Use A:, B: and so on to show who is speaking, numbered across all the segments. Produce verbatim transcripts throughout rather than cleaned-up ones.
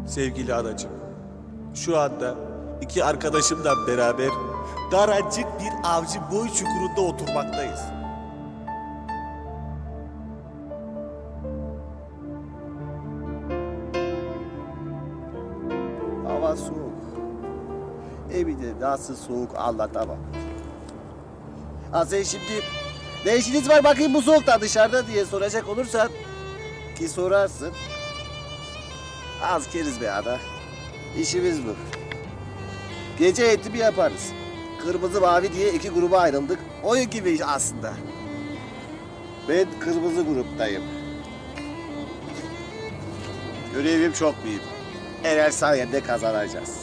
A: Sevgili anacığım, şu anda iki arkadaşımla beraber daracık bir avcı boy çukurunda oturmaktayız.
B: Hava soğuk. Evde nasıl soğuk anlatamam. Ha sen şimdi ne işiniz var bakayım bu soğukta dışarıda diye soracak olursan ki sorarsın. Az keriz be ana. İşimiz bu. Gece eğitimi yaparız. Kırmızı mavi diye iki gruba ayrıldık. Oyun gibi aslında. Ben kırmızı gruptayım. Görevim çok büyük. Eğer sayende kazanacağız.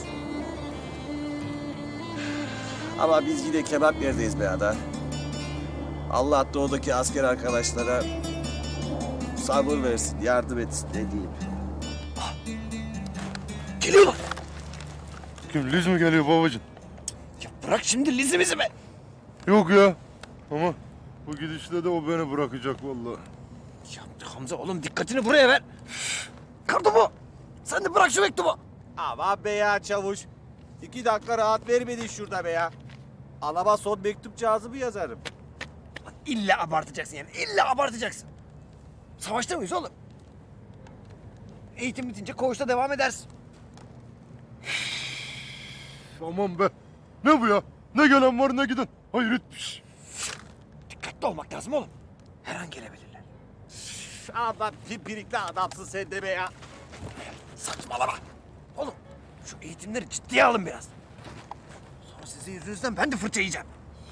B: Ama biz yine kebap yerdeyiz be ada. Allah doğudaki asker arkadaşlara sabır versin, yardım etsin ne diyeyim.
C: Geliyorlar.
D: Kim Liz mi geliyor babacığım?
C: Ya bırak şimdi Liz'imizi be.
D: Yok ya. Ama bu gidişle de o beni bırakacak vallahi.
C: Ya Hamza oğlum dikkatini buraya ver. Kartopu. Sen de bırak şu mektubu.
A: Aman be ya çavuş. İki dakika rahat vermedin şurada be ya. Anama son mektupcağızı mı yazarım?
C: Lan İlla abartacaksın yani. İlla abartacaksın. Savaşta mıyız oğlum? Eğitim bitince koğuşta devam edersin.
D: Aman be. Ne bu ya? Ne gelen var ne giden. Hayret bir şey.
C: Dikkatli olmak lazım oğlum. Her an gelebilirler.
A: Ama pimpirikli adamsın sen de be ya.
C: Saçmalama. Oğlum şu eğitimleri ciddiye alın biraz. Sonra sizin yüzünüzden ben de fırça yiyeceğim.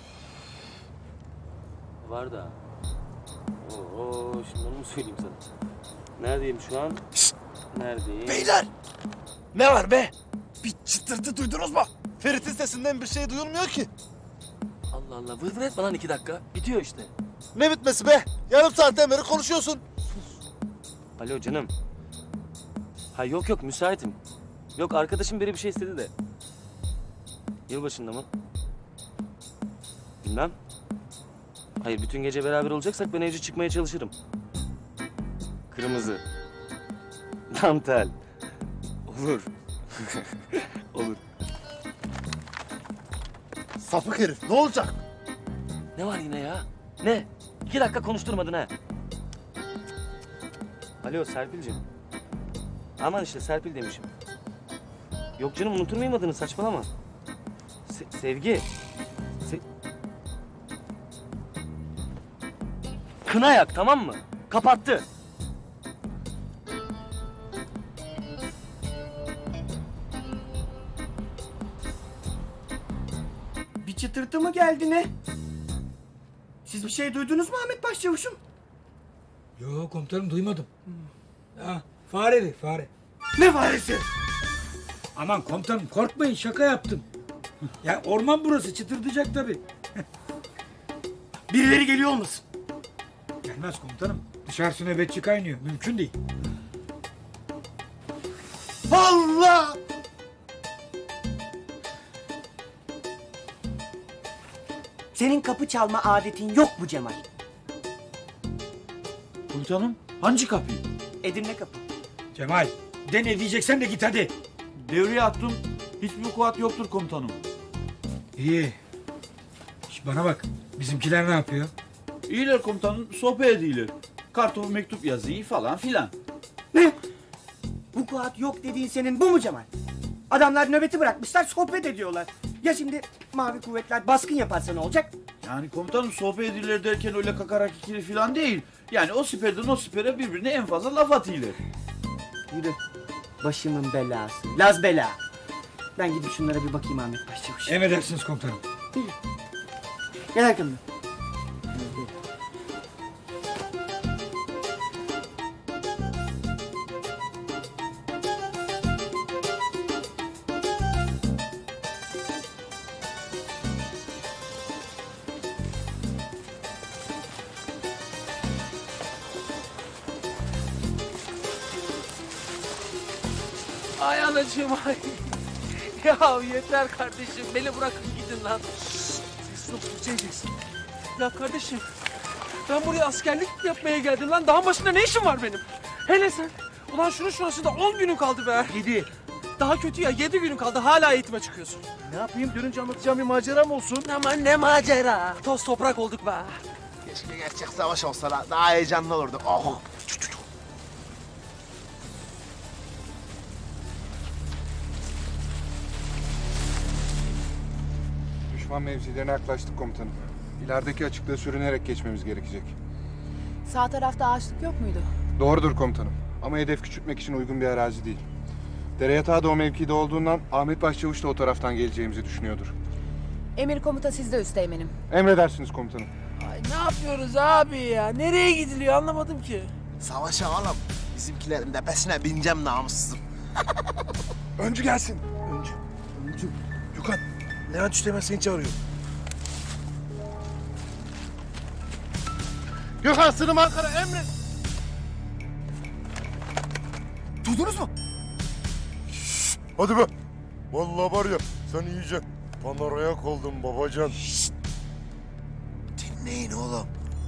E: Var da. Oo, şimdi onu mu söyleyeyim sana? Neredeyim şu an?
C: Şşt!
E: Neredeyim?
C: Beyler! Ne var be? Bir çıtırtı duydunuz mu?
F: Ferit'in sesinden bir şey duyulmuyor ki.
E: Allah Allah, vır vır etme lan iki dakika. Bitiyor işte.
F: Ne bitmesi be? Yarım saatten beri konuşuyorsun.
E: Alo canım. Ha yok yok, müsaitim. Yok, arkadaşım biri bir şey istedi de. Yılbaşında mı? Bilmem. Hayır, bütün gece beraber olacaksak ben evde çıkmaya çalışırım. Kırmızı. Dantel. Olur. Olur.
F: Sapık herif ne olacak?
E: Ne var yine ya? Ne? İki dakika konuşturmadın ha. Alo Serpil'cim. Aman işte Serpil demişim. Yok canım, unutur muyum adını, saçmalama. Se- sevgi. Se- Kına yak, tamam mı? Kapattı.
C: Bir çıtırtı mı geldi ne? Siz bir şey duydunuz mu Ahmet Başçavuş'um?
G: Yok komutanım duymadım. Ya fareli fare.
C: Ne faresi?
G: Aman komutanım korkmayın şaka yaptım. Ya orman burası çıtırdayacak tabii.
C: Birileri geliyor olmasın?
G: Gelmez komutanım. Dışarısı nöbetçi kaynıyor. Mümkün değil.
F: Allah!
H: Senin kapı çalma adetin yok mu Cemal?
I: Komutanım, hangi kapıyı?
H: Edirne kapı.
G: Cemal de ne diyeceksen de git hadi.
I: Devreye attım, hiçbir kuat yoktur komutanım.
G: İyi. Şş, bana bak bizimkiler ne yapıyor?
I: İyiler komutanım, sohbet ediyorlar. Kartopu mektup yazıyı falan filan.
H: Ne? Bu kuat yok dediğin senin bu mu Cemal? Adamlar nöbeti bırakmışlar sohbet ediyorlar. Ya şimdi mavi kuvvetler baskın yaparsa ne olacak?
I: Yani komutanım sohbet ediyorlar derken öyle kakarak ikili filan değil. Yani o siperden o sipere birbirine en fazla laf atıyorlar.
H: Yürü. Başımın belası. Laz bela. Ben gidip şunlara bir bakayım Ahmet Başçavuş.
G: Emredersiniz komutanım.
H: Gel arkamdan.
E: Ay anacığım ay. Ya yeter kardeşim, beni bırakın gidin lan.
C: Siz çok tutucaksın. Ya kardeşim, ben buraya askerlik yapmaya geldim lan. Dağın başında ne işim var benim? Hele sen Ulan şunun şurasında on günün kaldı be. Yedi. Daha kötü ya, yedi günün kaldı. Hala eğitime çıkıyorsun.
F: Ne yapayım dönünce anlatacağım bir maceram olsun.
C: Aman ne macera. Toz toprak olduk be.
F: Keşke gerçek savaş olsa la, daha heyecanlı olurdu. Oh.
J: Düşman mevzilerine yaklaştık komutanım. İlerideki açıklığı sürünerek geçmemiz gerekecek.
K: Sağ tarafta ağaçlık yok muydu?
J: Doğrudur komutanım. Ama hedef küçültmek için uygun bir arazi değil. Dere yatağı da o mevkide olduğundan Ahmet Başçavuş da o taraftan geleceğimizi düşünüyordur.
K: Emir komuta sizde üsteğmenim.
J: Emredersiniz komutanım.
C: Ay ne yapıyoruz abi ya? Nereye gidiliyor anlamadım ki.
F: Savaşa oğlum. Bizimkilerin tepesine bineceğim namussuzum.
D: Öncü gelsin.
F: Öncü. Öncü. Gökhan. Levent Üsteğmen seni çağırıyor. Gökhan sınım Ankara emret. Duydunuz mu?
D: Hadi be. Vallahi var ya sen iyice panorayak oldun babacan.
F: Dinleyin oğlum.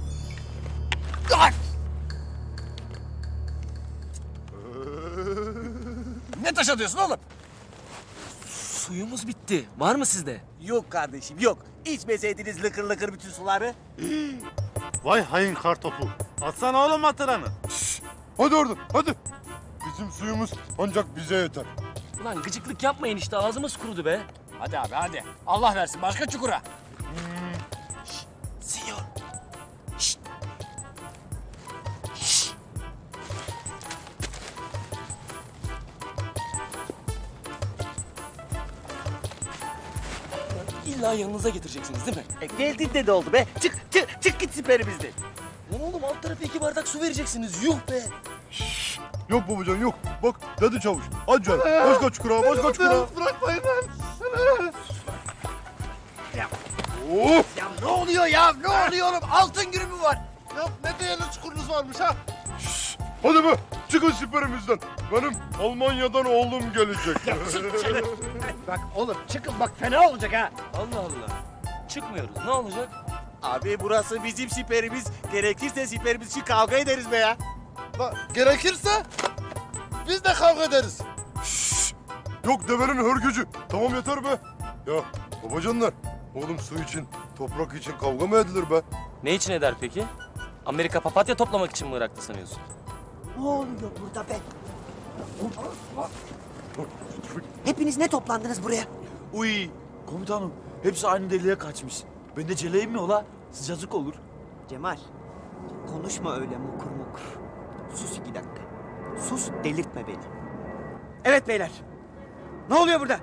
C: Ne taş atıyorsun oğlum?
E: Suyumuz bitti. Var mı sizde?
A: Yok kardeşim yok. İçmeseydiniz lıkır lıkır bütün suları.
F: Vay hain kartopu. Atsana oğlum hatıranı.
D: Hadi oradan hadi. Bizim suyumuz ancak bize yeter.
E: Ulan gıcıklık yapmayın işte ağzımız kurudu be.
C: Hadi abi hadi. Allah versin başka çukura.
A: Sinyor.
E: İlla yanınıza getireceksiniz değil mi?
A: E, geldiğinde de oldu be. Çık çık çık git siperimizde.
E: Lan oğlum alt tarafı iki bardak su vereceksiniz. Yuh be.
D: Yok babacan yok. Bak dedi çavuş. Hadi canım. Başka çukura başka çukura.
F: Bırakmayın lan.
D: Of.
C: Ya ne oluyor ya? Ne oluyor oğlum? Altın günü mü var?
F: Ya ne değerli çukurunuz varmış ha.
D: Hadi be. Çıkın siperimizden. Benim Almanya'dan oğlum gelecek.
C: Bak oğlum çıkın bak fena olacak ha.
E: Allah Allah. Çıkmıyoruz. Ne olacak?
A: Abi burası bizim siperimiz. Gerekirse siperimiz için kavga ederiz be ya.
F: Bak, gerekirse biz de kavga ederiz.
D: Yok devenin hörgücü. Tamam yeter be. Ya babacanlar. Oğlum su için, toprak için kavga mı edilir be?
E: Ne için eder peki? Amerika papatya toplamak için mi Irak'ta sanıyorsun?
H: Ne oluyor burada be? Hepiniz ne toplandınız buraya?
I: Uy komutanım hepsi aynı deliğe kaçmış. Ben de celeyim mi ola? Sıcacık olur.
H: Cemal, konuşma öyle mukur mukur. Sus iki dakika. Sus, delirtme beni. Evet beyler. Ne oluyor burada?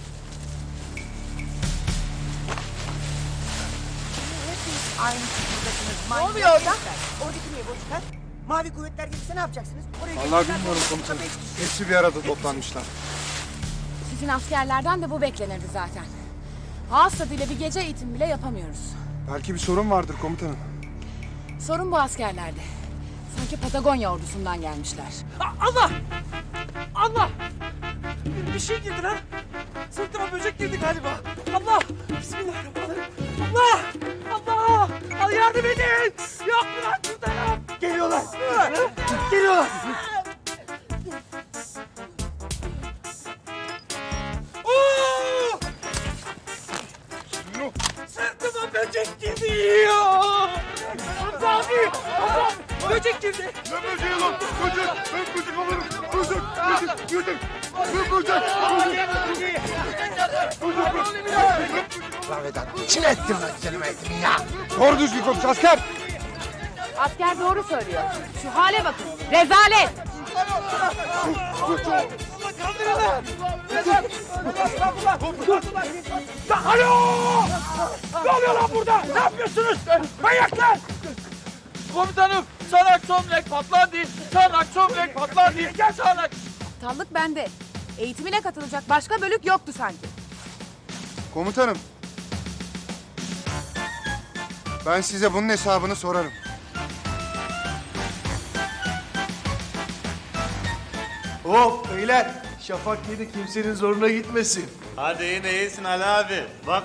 H: Ne oluyor orada? Oradaki niye boşlar? Mavi kuvvetler gelirse ne yapacaksınız? Oraya
J: Vallahi
H: gelirler,
J: bilmiyorum
H: boşlukta
J: komutanım.
H: beş-
J: Hepsi bir arada toplanmışlar.
K: Sizin askerlerden de bu beklenirdi zaten. Ağız tadıyla bir gece eğitim bile yapamıyoruz.
J: Belki bir sorun vardır komutanım.
K: Sorun bu askerlerde. Sanki Patagonya ordusundan gelmişler.
C: A- Allah! Allah! Bir, bir şey girdi lan. Sırtıma böcek girdi galiba. Allah! Bismillahirrahmanirrahim. Allah! Allah! Al yardım edin! Yok mu lan şurada ya? Geliyorlar! Geliyorlar! Oo! Sırtıma böcek girdi ya! Hamza abi! Hamza abi! Böcek girdi!
D: Ne böceği lan? Böcek! Ben böcek alırım! Böcek! Böcek! Böcek! Ben böcek!
F: Lan Vedat, kim ettin lan güzelim eğitimi ya?
J: Doğru düzgün konuş asker!
K: Asker doğru söylüyor. Şu hale bakın. Rezalet!
C: Kaldırın! Neden? Alo! Ne oluyor lan burada? Ne yapıyorsunuz? Manyaklar! Komutanım, sanak somlek patladı. Sanak somlek patladı. Gel sanak.
K: Aptallık bende. Eğitimine katılacak başka bölük yoktu sanki.
J: Komutanım. Ben size bunun hesabını sorarım.
F: Hop beyler. Şafak yedi kimsenin zoruna gitmesin.
A: Hadi yine iyisin Ali abi. Bak